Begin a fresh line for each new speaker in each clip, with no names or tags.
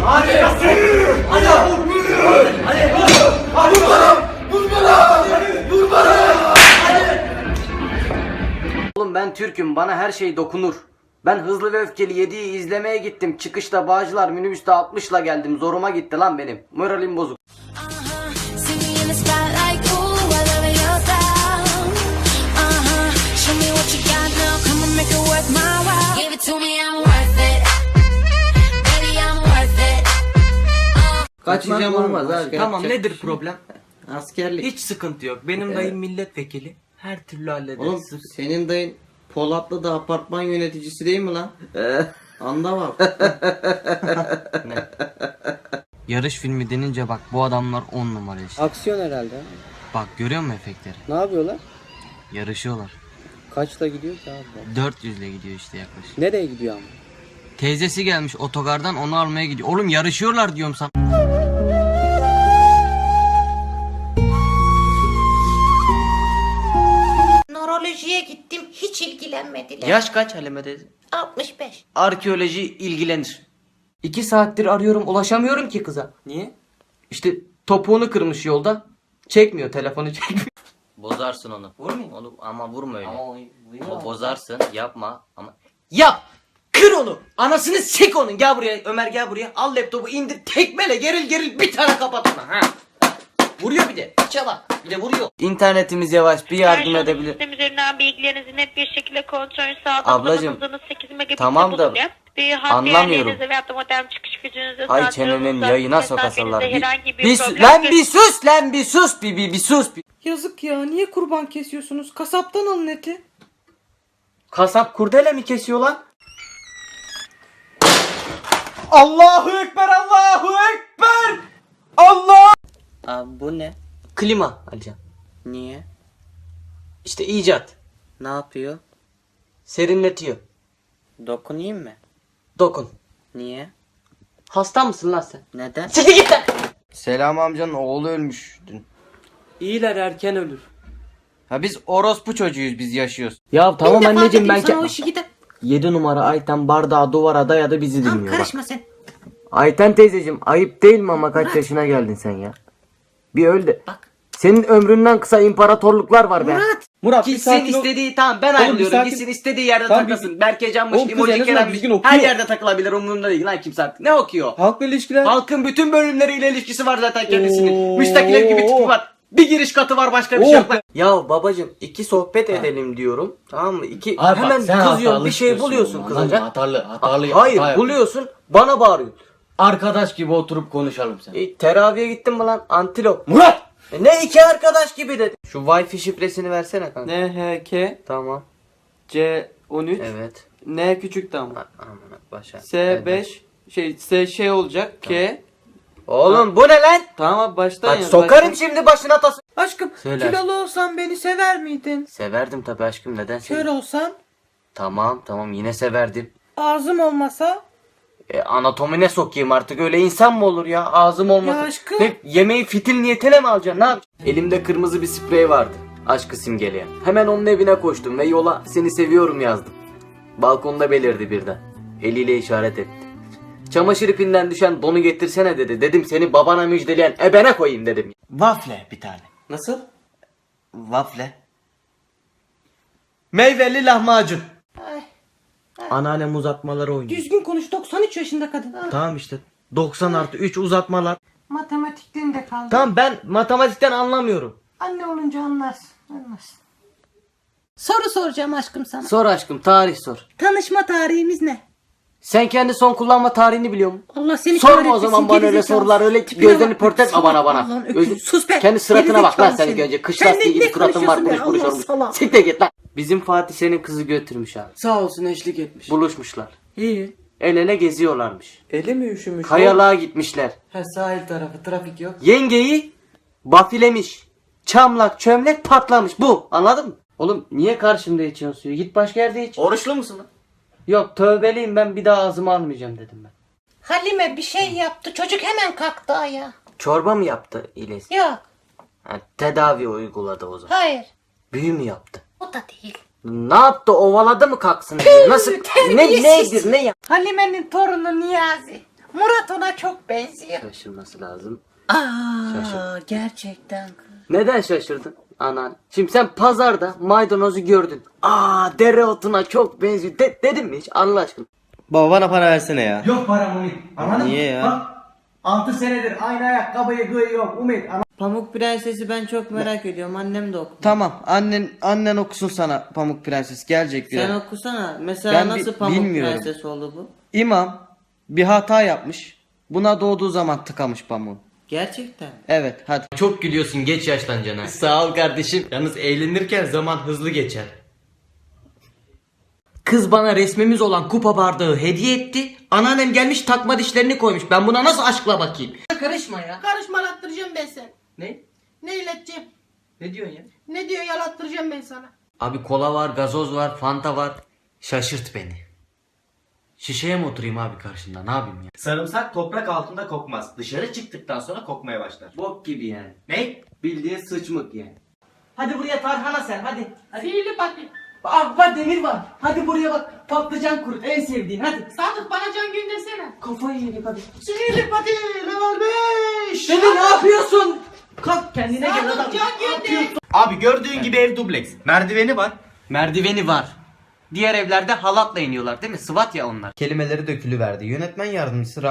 Hadi. Hadi. Hadi. Vur bana. Vur bana. Vur bana.
Oğlum ben Türk'üm, bana her şey dokunur. Ben Hızlı ve Öfkeli 7'yi izlemeye gittim. Çıkışta Bağcılar minibüste 60'la geldim. Zoruma gitti lan benim. Moralim bozuk.
Kaçacağım olmaz abi.
Tamam, nedir problem?
Askerlik.
Hiç sıkıntı yok. Benim dayım milletvekili. Her türlü hallederiz.
Oğlum senin dayın Polatlı'da apartman yöneticisi değil mi lan? Anda bak.
Ne? Yarış filmi denince bak bu adamlar 10 numara işte.
Aksiyon herhalde.
Bak görüyor musun efektleri?
Ne yapıyorlar?
Yarışıyorlar.
Kaçla gidiyor ki abi?
400 ile gidiyor işte yaklaşık.
Nereye gidiyor ama?
Teyzesi gelmiş otogardan, onu almaya gidiyor. Oğlum yarışıyorlar diyorum sana.
Nörolojiye gittim, hiç ilgilenmediler.
Yaş kaç Halime teyze?
65.
Arkeoloji ilgilenir. 2 saattir arıyorum, ulaşamıyorum ki kıza. Niye? İşte topuğunu kırmış yolda. Çekmiyor, telefonu çekmiyor. Bozarsın onu. Vurmayayım onu ama vurma öyle. O bozarsın, yapma ama. Yap! Kır onu! Anasını sik onun! Gel buraya Ömer, gel buraya. Al laptopu, indir, tekmele, geril bir tane kapat ona. Ha. Vuruyor bir de. Çabuk. Bir de vuruyor. İnternetimiz yavaş, bir yardım edebilir.
Sistem üzerinden bilgilerinizi net bir şekilde kontrol sağlamak.
Ablacım,
hızınız 8 megabit'te
tamam da
bulunuyor. Bir hat
anlamıyorum.
değerlerinize veyahut da modem çıkış gücünüze
Ay
sahip
çenenin
olduğunuzda
yayına sokasınlar.
mesafenizde herhangi bir
Bir
problem
lan bir sus lan bir sus bir sus.
Yazık ya, niye kurban kesiyorsunuz? Kasaptan alın eti.
Kasap kurdele mi kesiyor lan? Allahu Ekber, Allahu Ekber! Allah!
Abi bu ne?
Klima Alican.
Niye?
İşte icat.
Ne yapıyor?
Serinletiyor.
Dokunayım mı?
Dokun.
Niye?
Hasta mısın lan sen?
Neden?
Siktir git lan!
Selam amcanın oğlu ölmüş dün.
İyiler erken ölür.
Ha biz orospu çocuğuyuz, biz yaşıyoruz.
Ya tamam anneciğim ben
Sana o işi gidin.
7 numara Ayten bardağı duvara dayadı bizi
Tamam
dinliyor bak.
karışma sen.
Ayten teyzeciğim ayıp değil mi ama kaç yaşına geldin sen ya? Bir öl de.
Bak.
Senin ömründen kısa imparatorluklar var be.
Murat bir
Gitsin
sakin ol.
istediği tamam ben
Oğlum,
ayrılıyorum.
bir sakin-
Gitsin istediği yerde
Tamam,
takılsın. Berkecanmış,
Oğlum, kız en
emoji
azından
Kerem'miş.
düzgün okuyor.
Her yerde takılabilir, umurumda değil lan kimse artık. Ne okuyor?
Halkla ilişkiler.
Halkın bütün bölümleriyle ilişkisi var zaten kendisinin.
Oo.
Müstakil ev gibi tipi var. Bir giriş katı var, başka bir şey
Oh
yok.
be.
Ya babacım 2 sohbet edelim diyorum. Tamam mı?
Abi
Hemen
bak, sen
kızıyorsun,
hatalı
bir şey
çıkıyorsun
buluyorsun
oğlum,
kızaca.
Hatalı.
Hayır
hata
buluyorsun, bana bağırıyorsun.
Arkadaş gibi oturup konuşalım sen.
Teraviye gittin mi lan antilop?
Murat!
Ne iki arkadaş gibi dedi. Şu Wi-Fi şifresini versene kanka.
NHK
Tamam.
C13
Evet.
N küçük tam.
Aman başa.
S5 S olacak K.
Oğlum bu ne lan?
Tamam abi baştan
Bak
yaz.
sokarım şimdi başına tası.
Aşkım,
Söyle
kilolu olsan beni sever miydin?
Severdim tabii aşkım, neden
Kör
sevdim?
olsan,
Tamam yine severdim.
ağzım olmasa.
Anatomine sokayım artık, öyle insan mı olur ya, ağzım olmasın.
Ya aşkım.
Ne, yemeği fitil niyetine mi alacaksın, ne yapacaksın? Elimde kırmızı bir sprey vardı, aşkı simgeleyen. Hemen onun evine koştum ve yola seni seviyorum yazdım. Balkonda belirdi birden. Eliyle işaret etti. Çamaşır ipinden düşen donu getirsene dedi. Dedim seni babana müjdeleyen ebene koyayım dedim.
Waffle bir tane.
Nasıl?
Waffle. Meyveli lahmacun.
Anneannem uzatmaları oynuyor.
Düzgün konuş, 93 yaşında kadın.
Tamam işte 90+3 uzatmalar.
Matematikten de kaldı.
Tamam ben matematikten anlamıyorum.
Anne olunca anlarsın.
Soru soracağım aşkım sana.
Sor aşkım, tarih sor.
Tanışma tarihimiz ne?
Sen kendi son kullanma tarihini biliyor musun?
Allah seni
Sorma
kahretmesin,
o zaman bana öyle
gerizekalı.
sorular, öyle
Tipine
gözlerini
bak.
pörtletme
Salak,
bana.
Allah'ın öküzü. Sus be.
Kendi suratına bak lan
Gerizekalı
sen ilk
seni.
önce. Kış
Sen
lastiği
ne
gibi suratın var,
konuşuyorsun
kuruş
be?
olmuş.
Allah salak.
Siktir git lan. Bizim Fatih senin kızı götürmüş abi.
Sağ olsun eşlik etmiş.
Buluşmuşlar.
İyi.
El ele geziyorlarmış.
Eli mi üşümüş?
Kayalığa gitmişler.
He sahil tarafı trafik yok.
Yengeyi bafilemiş. Çamlak çömlek patlamış. Bu, anladın mı? Oğlum niye karşımda içiyorsun suyu? Git başka yerde iç.
Oruçlu musun lan?
Yok tövbeliyim, ben bir daha ağzıma almayacağım dedim ben.
Halime bir şey yaptı. Çocuk hemen kalktı ayağa.
Çorba mı yaptı İlyas?
Yok.
Ha, tedavi uyguladı o zaman.
Hayır.
Büyü mü yaptı?
O da değil.
Ne yaptı, ovaladı mı kalksın? Nasıl? Ne
terbiyesiz.
nedir ne ya?
Halime'nin torunu Niyazi.
Murat ona çok benziyor.
Şaşırması lazım.
Aa, gerçekten.
Neden şaşırdın? Anan. Şimdi sen pazarda maydanozu gördün. Dereotuna çok benziyor. Dedim mi hiç? Allah aşkına.
Baba bana para versene ya.
Yok param Umut. Anladın
Niye
mı?
ya?
Bak 6 senedir aynı ayakkabıyı giyiyorum Umut.
Pamuk Prenses'i ben çok merak ediyorum. Annem de oku.
Tamam annen okusun sana Pamuk Prenses gelecek diyor.
Sen okusana. Mesela
Ben
nasıl Pamuk
bilmiyorum.
Prenses oldu bu?
İmam bir hata yapmış. Buna doğduğu zaman tıkamış pamuğu.
Gerçekten.
Evet hadi.
Çok gülüyorsun, geç yaşlanacağına. Sağ ol kardeşim. Yalnız eğlenirken zaman hızlı geçer. Kız bana resmimiz olan kupa bardağı hediye etti. Anneannem gelmiş takma dişlerini koymuş. Ben buna nasıl aşkla bakayım? Karışma ya.
Karışma yalattıracağım ben seni.
Ne?
Ne ileteceğim?
Ne diyorsun ya?
Ne diyor yalattıracağım ben sana.
Abi kola var, gazoz var, fanta var. Şaşırt beni. Şişeye mi oturayım abi karşında? Ne yapayım ya?
Sarımsak toprak altında kokmaz. Dışarı çıktıktan sonra kokmaya başlar.
Bok gibi yani.
Ne?
Bildiğin sıçmık yani. Hadi buraya tarhana sen hadi.
Sihirli pati.
Bak demir var. Hadi buraya bak. Patlıcan kurut en sevdiğin hadi.
Sadık bana can göndersene.
Kafayı yedik hadi.
Sihirli pati level 5.
Demir ne yapıyorsun? Kalk kendine gel adam.
Sadık can gönder.
Abi gördüğün gibi ev dubleks. Merdiveni var.
Merdiveni var. Diğer evlerde halatla iniyorlar değil mi? Sıvat ya onlar.
Kelimeleri dökülüverdi. Yönetmen yardımcısı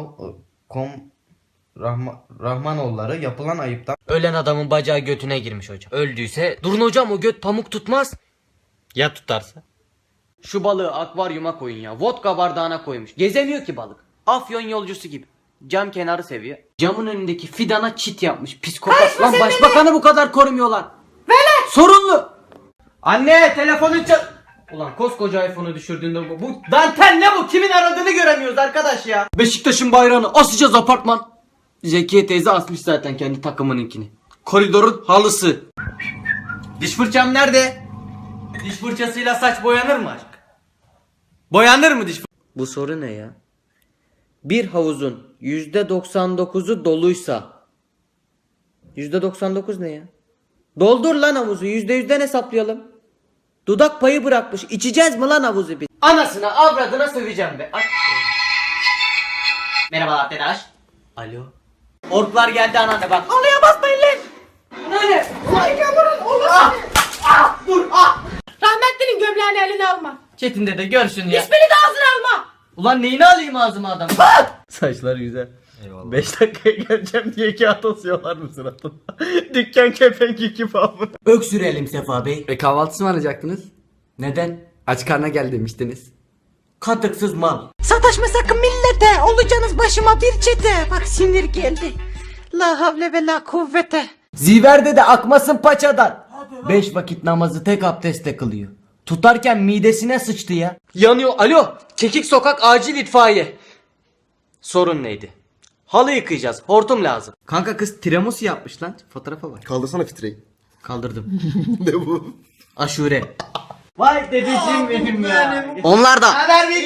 Rahmanoğulları yapılan ayıptan
Ölen adamın bacağı götüne girmiş hocam. Öldüyse durun hocam o göt pamuk tutmaz. Ya tutarsa? Şu balığı akvaryuma koyun ya. Vodka bardağına koymuş. Gezemiyor ki balık. Afyon yolcusu gibi. Cam kenarı seviyor. Camın önündeki fidana çit yapmış. Psikopat. Lan başbakanı bu kadar korumuyorlar. Velet. Sorunlu. Anne telefonu çal. Ulan koskoca iPhone'u düşürdüğünde bu dantel ne bu? Kimin aradığını göremiyoruz arkadaş ya. Beşiktaş'ın bayrağını asacağız apartman. Zekiye teyze asmış zaten kendi takımınınkini. Koridorun halısı. Diş fırçam nerede? Diş fırçasıyla saç boyanır mı aşk? Boyanır mı diş Bu soru ne ya? Bir havuzun %99'u doluysa %99 ne ya? Doldur lan havuzu, %100'den hesaplayalım. Dudak payı bırakmış. İçeceğiz mi lan havuzu bir? Anasına avradına söveceğim be. Ay. Merhaba arkadaş. Alo. Orklar geldi anneanne bak.
Halıya basmayın lan.
Anneanne.
Vay yavrum olur.
Dur
Rahmetlinin gömleğini eline alma.
Çetin dede görsün ya.
İsmini de ağzına alma.
Ulan neyini alayım ağzıma adam? Saçlar güzel. Eyvallah. 5 dakikaya geleceğim diye kağıt asıyorlar mı suratına? Dükkan kepenk gibi abi. Öksürelim Sefa Bey.
Kahvaltısı mı alacaktınız?
Neden?
Aç karna gel demiştiniz.
Katıksız mal.
Sataşma sakın millete. Olacaksınız başıma bir çete. Bak sinir geldi. La havle ve la kuvvete.
Ziverde de akmasın paçadan. 5 vakit namazı tek abdestle kılıyor. Tutarken midesine sıçtı ya. Yanıyor. Alo. Çekik sokak acil itfaiye. Sorun neydi? Halı yıkayacağız. Hortum lazım.
Kanka kız tiramisu yapmış lan. Fotoğrafa bak.
Kaldırsana fitreyi.
Kaldırdım.
Ne bu?
Aşure. Vay dedeciğim benim ya.
Onlar da.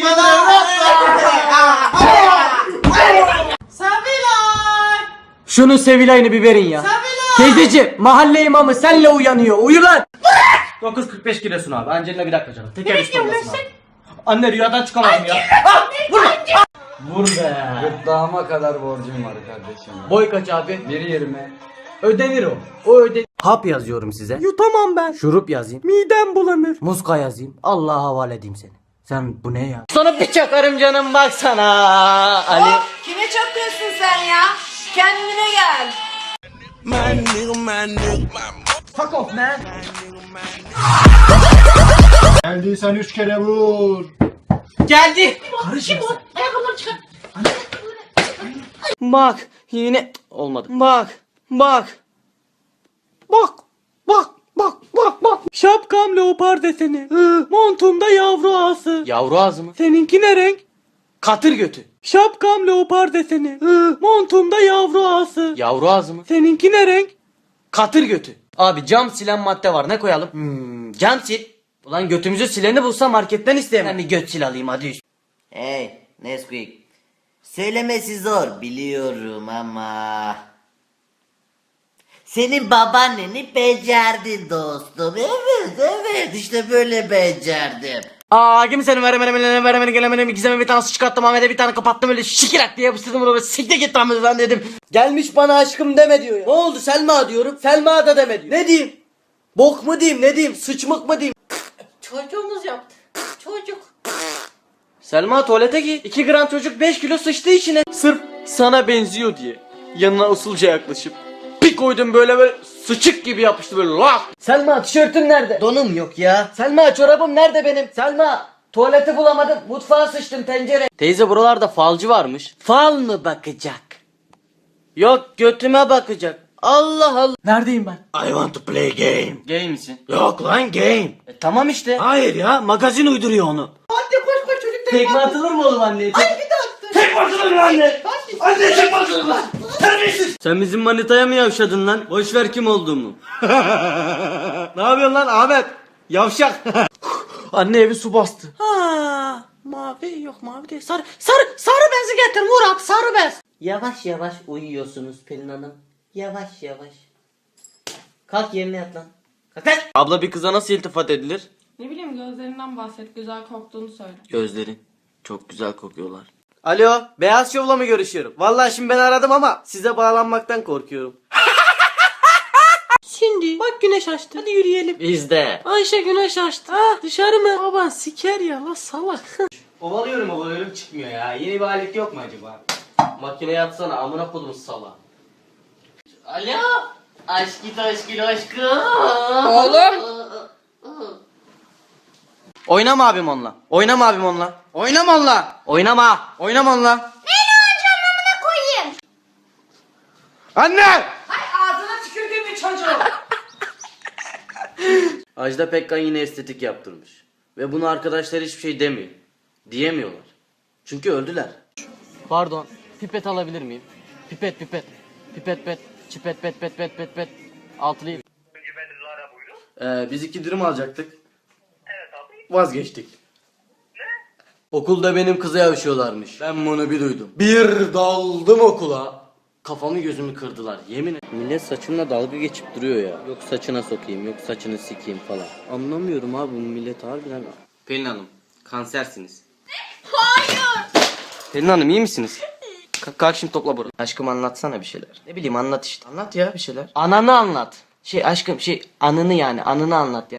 Sevilay.
Şunun Sevilay'ını bir verin ya. Teyzeciğim mahalle imamı senle uyanıyor. Uyu lan. 9.45 kilosun abi. Angelina bir dakika canım. Teker üstü olmasın abi. Anne rüyadan çıkamadım ya. Vur. Vur be.
Gırtlağıma kadar borcum var kardeşim.
Boy kaç abi?
1.20.
Ödenir o. O ödenir. Hap yazıyorum size. Yutamam ben. Şurup yazayım. Midem bulanır. Muska yazayım. Allah'a havale edeyim seni. Sen bu ne ya? Sana bir çakarım canım baksana. Ali.
Kime çakıyorsun sen ya? Kendine gel.
Fuck off man.
Geldiysen 3 kere vur.
Geldi.
Kim o? Ayakkabıları çıkar.
Bak yine olmadı. Bak. Bak. Bak. Bak. Bak. Bak. Bak. Şapkam leopar deseni. Montumda yavru ağası. Yavru ağzı mı? Seninki ne renk? Katır götü. Şapkam leopar deseni. Montumda yavru ağası. Yavru ağzı mı? Seninki ne renk? Katır götü. Abi cam silen madde var, ne koyalım? Cam sil. Ulan götümüzü sileni bulsa marketten isteyemem. Ben bir göt sil alayım hadi.
Hey Nesquik. Söylemesi zor biliyorum ama. Senin babaanneni becerdin dostum. Evet işte böyle becerdim.
Kimsenin veremedim gelemedim. İkizeme bir tane su çıkarttım. Ahmet'e bir tane kapattım öyle şikirak diye yapıştırdım onu. Siktir git lan dedim. Gelmiş bana aşkım deme diyor ya. Ne oldu Selma diyorum. Selma da deme diyor. Ne diyeyim? Bok mu diyeyim ne diyeyim? Sıçmık mı diyeyim?
Çocuğumuz yaptı. Çocuk.
Selma tuvalete git. 2 gram çocuk 5 kilo sıçtı içine. Sırf sana benziyor diye. Yanına usulca yaklaşıp bir koydum böyle sıçık gibi yapıştı böyle lak. Selma tişörtün nerede? Donum yok ya. Selma çorabım nerede benim? Selma tuvaleti bulamadım. Mutfağa sıçtım tencere. Teyze buralarda falcı varmış. Fal mı bakacak? Yok götüme bakacak. Allah Allah. Neredeyim ben?
I want to play game.
Gay misin?
Yok lan game.
Tamam işte.
Hayır ya magazin uyduruyor onu.
Anne koş koş çocuk
Tekme atılır mı oğlum anneye?
Ay bir de attı.
Tek atılır lan anne. Anne tek atılır lan. Terbiyesiz.
Sen bizim manitaya mı yavşadın lan? Boş ver kim olduğumu. Ne yapıyorsun lan Ahmet? Yavşak. Anne evi su bastı.
Ha, mavi yok mavi değil. Sarı bezi getir Murat sarı bez.
Yavaş yavaş uyuyorsunuz Pelin Hanım. Yavaş yavaş. Kalk yerine yat lan. Kalk lan. Abla bir kıza nasıl iltifat edilir?
Ne bileyim gözlerinden bahset. Güzel koktuğunu söyle.
Gözleri çok güzel kokuyorlar. Alo, Beyaz Şov'la mı görüşüyorum? Vallahi şimdi ben aradım ama size bağlanmaktan korkuyorum.
Şimdi bak güneş açtı. Hadi yürüyelim.
Bizde.
Ayşe güneş açtı. Ha dışarı mı? Baban siker ya la salak.
Ovalıyorum çıkmıyor ya. Yeni bir alet yok mu acaba? Makineye atsana amına kodum sala. Alo. Aşkım.
Oğlum.
Oynama abim onunla. Oynama abim onunla. Oynama onunla. Oynama. Oynama onunla.
Beni oynayacağım amına koyayım.
Anne!
Ay ağzına tükürdüğümün çocuğu.
Ajda Pekkan yine estetik yaptırmış. Ve bunu arkadaşlar hiçbir şey demiyor. Diyemiyorlar. Çünkü öldüler. Pardon. Pipet alabilir miyim? Pipet. Pipet. Çipet pet. Altılıyım. Biz 2 dürüm alacaktık. Evet abi. Vazgeçtik. Ne? Okulda benim kıza yavşıyorlarmış. Ben bunu bir duydum. Bir daldım okula. Kafamı gözümü kırdılar yemin ederim. Millet saçımla dalga geçip duruyor ya. Yok saçına sokayım, yok saçını sikeyim falan. Anlamıyorum abi bu millet harbiden. Pelin Hanım, kansersiniz.
Hayır.
Pelin Hanım iyi misiniz? Kalk şimdi topla burayı. Aşkım anlatsana bir şeyler. Ne bileyim anlat işte. Anlat ya bir şeyler. Ananı anlat. Aşkım anını yani anını anlat ya.